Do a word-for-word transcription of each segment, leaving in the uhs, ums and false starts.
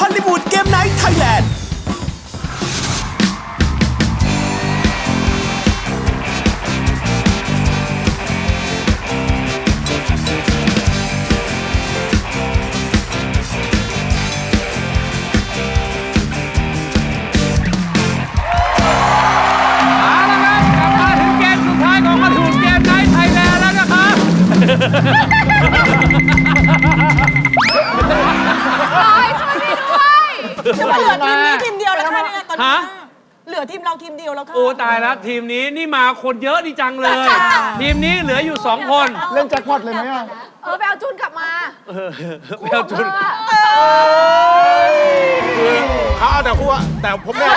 ฮอลลีวูดเกมไนท์ไทยแลนด์จะมาเหลือทีมนี้ทีมเดียวแล้วค่ะเนี่ยตอนนี้เหลือทีมเราทีมเดียวแล้วค่ะโอ้ตายแล้วทีมนี้นี่มาคนเยอะดีจังเลย ทีมนี้เหลืออยู่สองคนเล่นแจ็คพอตเลยไหมอ่ะเออไปเอาจุนกลับมาไปเอาจุนคือเขาเอาแต่คู่แต่ผมไม่เอา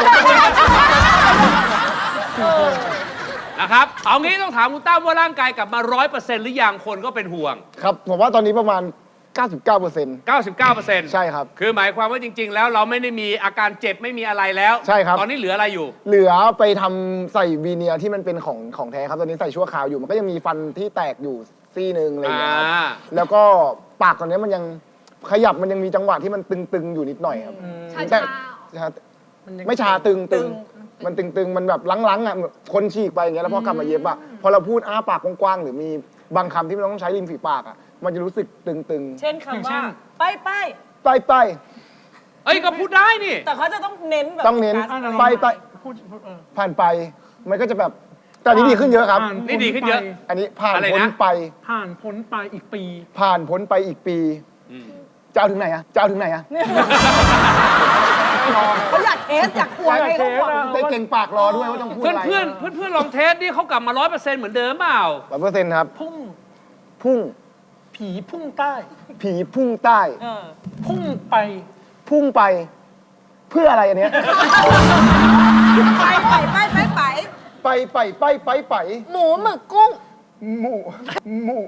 นะครับเอางี้ต้องถามคุณตั้มว่าร่างกายกลับมา ร้อยเปอร์เซ็นต์ หรือยังคนก็เป็นห่วงครับผมว่าตอนนี้ประมาณ เก้าสิบเก้าเปอร์เซ็นต์เก้าสิบเก้าเปอร์เซ็นต์ใช่ครับคือหมายความว่าจริง ๆ แล้วเราไม่ได้มีอาการเจ็บไม่มีอะไรแล้วใช่ครับตอนนี้เหลืออะไรอยู่เหลือไปทำใส่วีเนียร์ที่มันเป็นของของแท้ครับตอนนี้ใส่ชั่วคราวอยู่มันก็ยังมีฟันที่แตกอยู่ซี่นึงอะไรอย่างเงี้ยครับแล้วก็ปากตอนนี้มันยังขยับมันยังมีจังหวะที่มันตึงๆอยู่นิดหน่อยครับแต่ไม่ชาตึงตึงมันตึงๆมันแบบลังๆอ่ะคนฉีกไปอย่างเงี้ยแล้วพอกลับมาเย็บอ่ะพอเราพูดอ้าปากกว้างๆหรือมีบางคำที่มันต้องใช้ริมฝีปากอ่ะมันจะรู้สึกตึงๆเช่นคำว่าไปไปไปไปเอ้ยก็พูดได้นี่แต่เขาจะต้องเน้นแบบต้องเน้นไปไปผ่านไปมันก็จะแบบแต่นี้ดีขึ้นเยอะครับนี่ดีขึ้นเยอะอันนี้ผ่านพ้นไปผ่านพ้นไปอีกปีผ่านพ้นไปอีกปีจะเอาถึงไหนอะจะเอาถึงไหนอะเขาอยากเทสอยากกลัวให้เขาบอกได้เก่งปากรอด้วยว่าต้องพูดอะไรเพื่อนเพื่อนเพื่อนลองเทสนี่เขากลับมาร้อยเปอร์เซ็นต์เหมือนเดิมเปล่าร้อยเปอร์เซ็นต์ครับพุ่งพุ่งผีพุ่งใต้ผีพุ่งใต้พุ่งไปพุ่งไปเพื่ออะไรอันเนี้ยไปไปไปไปไปไปไปไปไปไปหมูหมึกกุ้งหมูหมู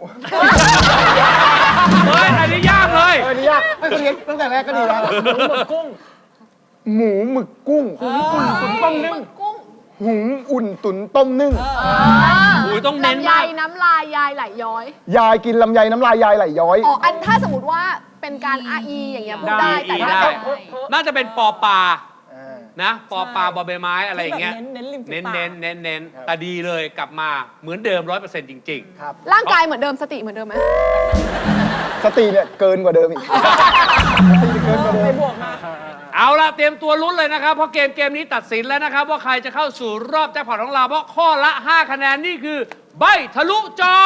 เฮ้ยอันนี้ยากเลยอันนี้ยากไม่คนเรียนตั้งแต่แรกก็ดีแล้วหมูหมึกกุ้งหมูหมึกกุ้งหุงอุ่นตุ๋นต้มนึ่งหุงอุ่นตุ๋นต้มนึ่งหูต้องเน้นมากน้ำลายยายไหลย้อยยายกินลำไยน้ำลายยายไหลย้อยอ๋ออันถ้าสมมติว่าเป็นการอาอีอย่างเงี้ยพูดได้แต่ถ้าน่าจะเป็นปอปลานะปอปลาบอใบไม้อะไรอย่างเงี้ยเน้นเน้นเน้นเน้นเน้นแต่ดีเลยกลับมาเหมือนเดิมร้อยเปอร์เซ็นต์จริงๆครับร่างกายเหมือนเดิมสติเหมือนเดิมไหมสติเนี่ยเกินกว่าเดิมอีกสติเกินกว่าเดิมเอาล่ะเตรียมตัวลุ้นเลยนะครับเพราะเกมเกมนี้ตัดสินแล้วนะครับว่าใครจะเข้าสู่รอบแจ็คพอตของเราเพราะข้อละห้าคะแนนนี่คือใบทะลุจอ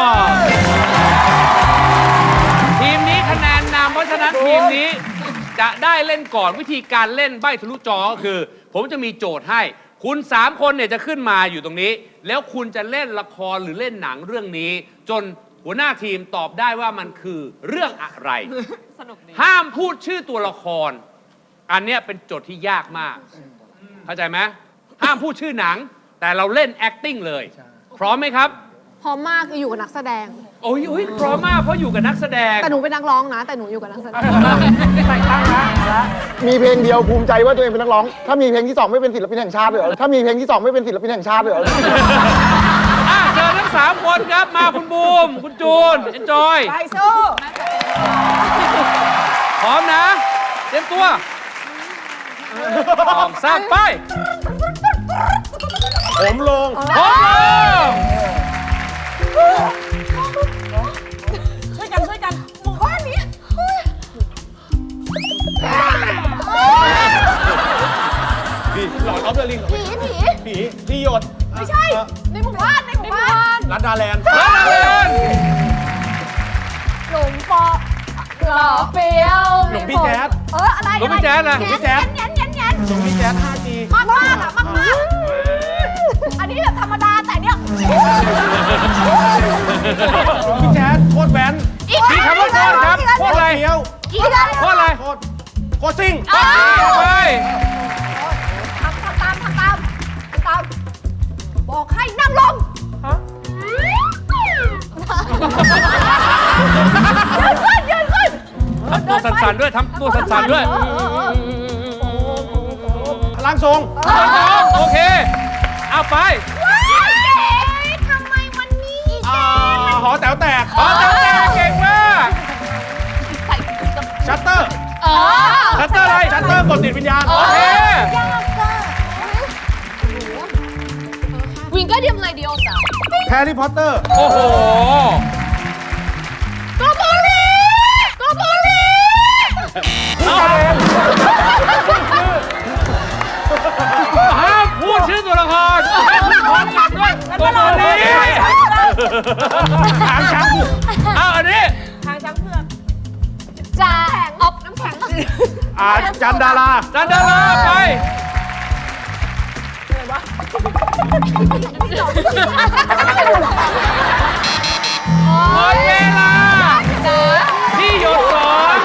ทีมนี้คะแนนนำเพราะฉะนั้นทีมนี้จะได้เล่นก่อนวิธีการเล่นใบทะลุจอก็คือผมจะมีโจทย์ให้คุณสามคนเนี่ยจะขึ้นมาอยู่ตรงนี้แล้วคุณจะเล่นละครหรือเล่นหนังเรื่องนี้จนหัวหน้าทีมตอบได้ว่ามันคือเรื่องอะไรห้ามพูดชื่อตัวละครอันเนี้ยเป็นโจทย์ที่ยากมากเข้าใจไหมห้ามพูดชื่อหนังแต่เราเล่น acting เลยพร้อมไหมครับพร้อมมากคืออยู่กับนักแสดงโอ้ยโอ้ยพร้อมมากเพราะอยู่กับนักแสดงแต่หนูเป็นนักร้องนะแต่หนูอยู่กับนักแสดงใส่ตั้งนะมีเพลงเดียวภูมิใจว่าตัวเองเป็นนักร้องถ้ามีเพลงที่สองไม่เป็นศิลปินแห่งชาติเลยเหรอถ้ามีเพลงที่สองไม่เป็นศิลปินแห่งชาติเลยเหรอเจอทั้งสามคนครับมาคุณบูมคุณจูนเอ็นจอยไปสู้พร้อมนะเตรียมตัวสองสามไปผมลงผมลงช่วยกันช่วยกันหมู่บ้านนี้พี่หลอดออฟเดอะลิงผีผีผีพี่หยดไม่ใช่ในหมู่บ้านในหมู่บ้านรัดดาแลนด์รัดดาแลนด์หลงปอหล่อเปียวหลงพี่แจ๊ดเอออะไรหลงพี่แจ๊ดนะหลงพี่แจ๊ดแง่นแง่นแง่นหลงพี่แจ๊ด ห้าจีมากมากอะมากมากอันนี้แบบธรรมดาแต่เนี้ยหลงพี่แจ๊ดโคตรแว้นมีคำว่าโคตรครับโคตรอะไรโคตรอะไรโคตรโคตรซิ่งไปทำทำตามทำตามทำตามบอกให้นั่งลงยืนขึ้นยืนขึ้นทำตัวสั่นๆด้วยทำตัวสั่นๆด้วยพลังทรงพลังทรงโอเคเอาไปทำไมวันนี้หอแต๋วแตกหอแต๋วแตกเก่งมากชัตเตอร์เออชัตเตอร์อะไรชัตเตอร์กดติดวิญญาณโอเคยากเกินวิงก็เดียมเลยเดียวจ้ะแฮร์รี่พอตเตอร์โอ้โหโกโบลีโกโบลีห้ามพูดชื่อตัวละครให้พูดพร้อมกันด้วยตัวนี้หางช้างเอาอันนี้ทางช้างเผือกจ้าออกน้ำแข็งอ่าจันดาราจันดาราไปหมดเวลาที่หยดสอน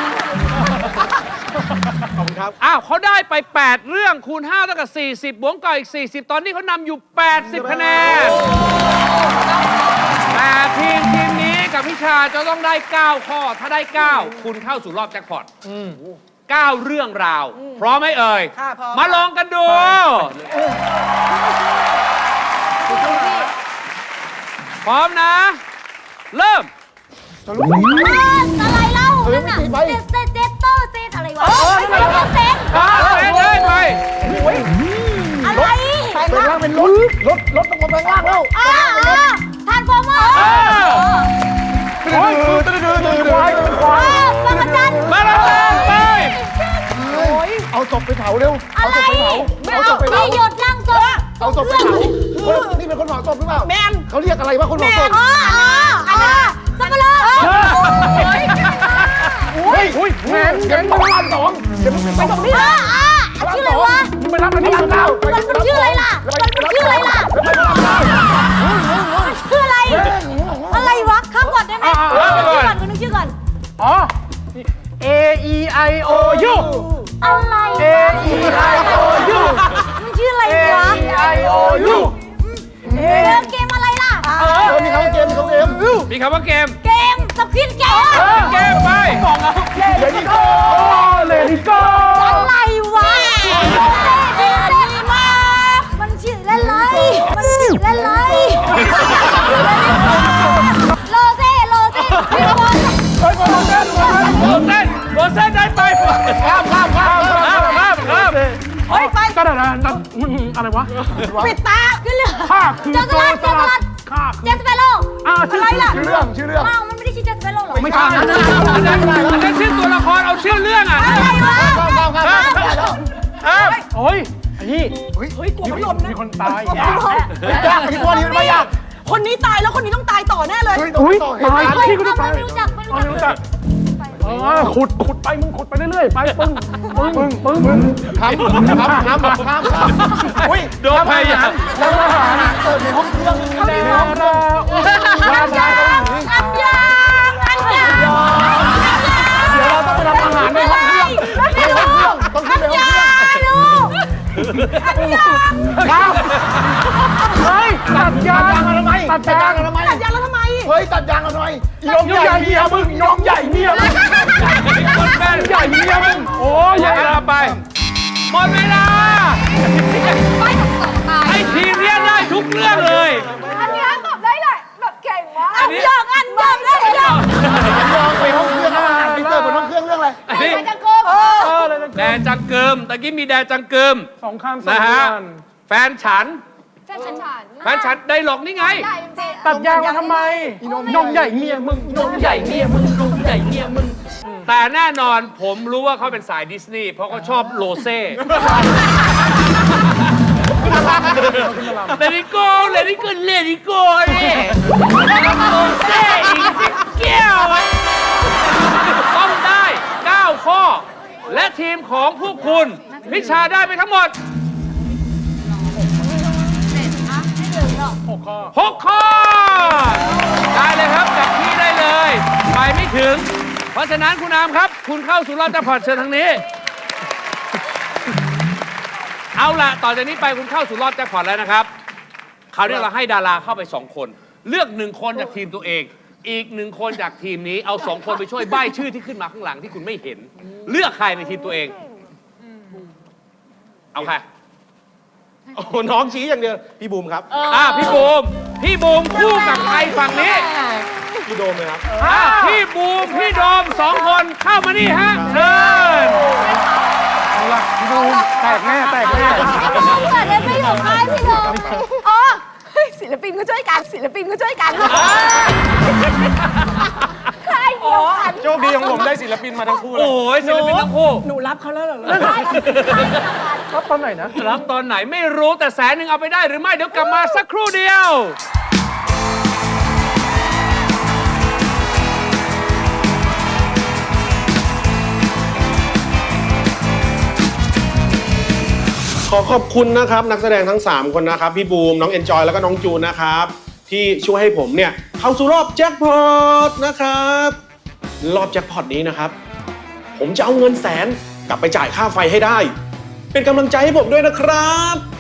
ขอบคุณครับ อ้าวเขาได้ไป แปด เรื่องคูณห้าเท่ากับสี่สิบบวกกับอีกสี่สิบตอนนี้เขานำอยู่ แปดสิบ คะแนน แต่ทีมทีมนี้กับพิชาจะต้องได้ เก้า ข้อ ถ้าได้ เก้า คุณเข้าสู่รอบแจ็คพอตเก้า เรื่องราว พร้อมไหมเอ่ยค่ะพร้อมมาลองกันดู พร้อมนะ เริ่มอะไรเล่านั่นน่ะเจ็ดเจ็ดเจ็ดโต้เจ็ดอะไรวะไม่ใช่เจ็ดเจ็ดอ่าเล่นเลยไปอะไรเป็นล่างเป็นรถรถรถต้องมาแปลงล่างแล้วอ่าทานฟอร์เมอร์เออโอ้ยตื่นตื่นตื่นควายตื่นควายบางจันมาแล้วไปเอาศพไปเผาเร็วอะเอาไรศพไปเผาไม่เอาเอาศพไปเผาที่หยดล่างศพเอาศพไปเผาคนนี่เป็นคนเผาศพหรือเปล่าแมนเขาเรียกอะไรว่าคนเผาศพอ๋ออ๋ออันน่ะสับปะรดเฮ้ยอุ้ยแหวนแหวนพระรามสองเดี๋ยวมึงไปตรงนี้อ่าอ่าชื่ออะไรวะมึงไปรับอันพนี้ระรามเก้ามันมันชื่ออะไรล่ะมันมันชื่ออะไรล่ะไปพระรามเก้ามันชื่ออะไร อะไรวะข้ามก่อนได้ไหมนึกชื่อก่อนนึกชื่อก่อนอ๋อ A E I O U อะไร A E I O U มันชื่ออะไร A วะ E I O U เออเกมอะไรล่ะเออมีคำว่าเกมมีคำว่าเกมมีคำว่าเกมเกมสควิดเกมเกมไปเดี๋ยวนี้ก็โอ้เลดี้โก้อะไรวะเล่นดีมากมันชื่อเล่นไรมันชื่อเล่นไรโลเซ่โลเซ่พี่บอลโรเซนโรเซนได้ไปข้ามข้ามข้ามข้ามข้ามข้ามเฮ้ยไปก็ได้นะอะไรวะปิดตาขึ้นเรือข้าคือเจสโจลัรดสเจสลัลัดดข้าเจสเปโลอ่าชื่ออะไรล่ะชื่อเรื่องชื่อเรื่องอ้าวมันไม่ได้ชื่อเจสเปโลหรอไม่ใช่อันนั้นอันนั้นอันนั้นชื่อตัวละครเอาชื่อเรื่องอ่ะอะไรวะข้ามข้ามข้ามข้ามแล้วครับโอ้ยไอ้นี่เฮ้ยกลัวพัดลมนะมีคนตายยากอีกวันนี้มันไม่ยากคนนี้ตายแล้วคนนี้ต้องตายต่อแน่เลยเฮ้ยต้องอุ้ยต่อเหตุตายการณ์พี่ก็ต้องตายไม่รู้จักไม่รู้ไม่รู้จักเออขุดขุดไปมึงขุดไปเรื่อยๆไปปึ้งปึ้งปึ้งปึ้งปึ้งข้ามข้ามข้ามข้ามข้ามข้ามอุ้ยโดนพยายามแล้วทหารเปิดในห้องเครื่องดาราอุ้ยอันยางอันยางอันยางเดี๋ยวเราต้องไปทำอาหารในห้องเครื่องในห้องเครื่องต้องขึ้นไปห้องเครื่องลูกอันยางข้ามเฮ้ยตัดยางตัดยางทำไมตัดตัดยายาง งทำไมตัดยางแล้วทำไมเฮ้ยตัดยางทำไมยงใหญ่เมียมึงยงใหญ่เมียมึงคนแม่นใหญ่เมียมึงโอ้หยมดเวลาไปหมดเวลาไปกับสองตายให้ทีมเนี้ยได้ทุกเรื่องเลยอันยางแบบได้เลยแบบเก่งมากอันนี้ยางอันยางได้ยางลองไปห้องเครื่องอาหารไปเสิร์ฟบนห้องเครื่องเรื่องอะไรอันนี้ไปจังเกิมเออเลยแดนจังเกิมตะกี้มีแดนจังเกิมสองข้ามสองนะฮะเดือนแฟนฉันแฟนฉันฉันแฟนฉันได้หลอกนี่ไงใหญ่จริงตัดยางมาทำไมยงใหญ่เมียมึงยงใหญ่เมียมึงยงใหญ่เมียมึงแต่แน่นอนผมรู้ว่าเขาเป็นสายดิสนีย์เพราะเขาชอบโลเซ่เลดิโก้เลดิโก้เลดิโก้เนี่ยโลเซ่อีกสิบแก้วต้องได้ เก้า ข้อ และทีมของพวกคุณ พิชาได้ไปทั้งหมดหกข้อหก ข้อ ได้เลยครับจับที่ได้เลย ไปไม่ถึง เพราะฉะนั้นคุณอามครับ คุณเข้าสู่รอบแจ็คพอตเชิญทางนี้ เอาล่ะ ต่อจากนี้ไปคุณเข้าสู่รอบแจ็คพอตแล้วนะครับ คราวนี้เราให้ดาราเข้าไปสองคน เลือกหนึ่งคนจากทีมตัวเอง อีกหนึ่งคนจากทีมนี้ เอาสองคนไปช่วยใบ้ชื่อที่ขึ้นมาข้างหลังที่คุณไม่เห็น เลือกใครในทีมตัวเอง เอาใครโอ้น้องชี้อย่างเดียว พี่บูมครับอ่าพี่บูม พี่บูมคู่กับใครฝั่งนี้พี่โดมเลยครับอ่ะพี่บูมพี่โดมสองคนเข้ามานี่ฮะเชิญเอาละพี่โดมแตกแน่แตกแน่เกิดได้ไม่อยู่ค่ายพี่โดมอ๋อเฮ้ยศิลปินก็ช่วยกันศิลปินก็ช่วยกันค่ายเดียวกันโชคดีของผมได้ศิลปินมาทั้งคู่เลยโอ้ยศิลปินทั้งคู่หนูรับเขาแล้วเหรอรับตอนไหนนะรับตอนไหนไม่รู้แต่แสนหนึ่งเอาไปได้หรือไม่เดี๋ยวกลับมาสักครู่เดียวขอขอบคุณนะครับนักแสดงทั้งสามคนนะครับพี่บูมน้องเอนจอยแล้วก็น้องจูนนะครับที่ช่วยให้ผมเนี่ยเข้าสู่รอบแจ็คพอตนะครับรอบแจ็คพอตนี้นะครับผมจะเอาเงินแสนกลับไปจ่ายค่าไฟให้ได้ เป็นกำลังใจให้ผมด้วยนะครับ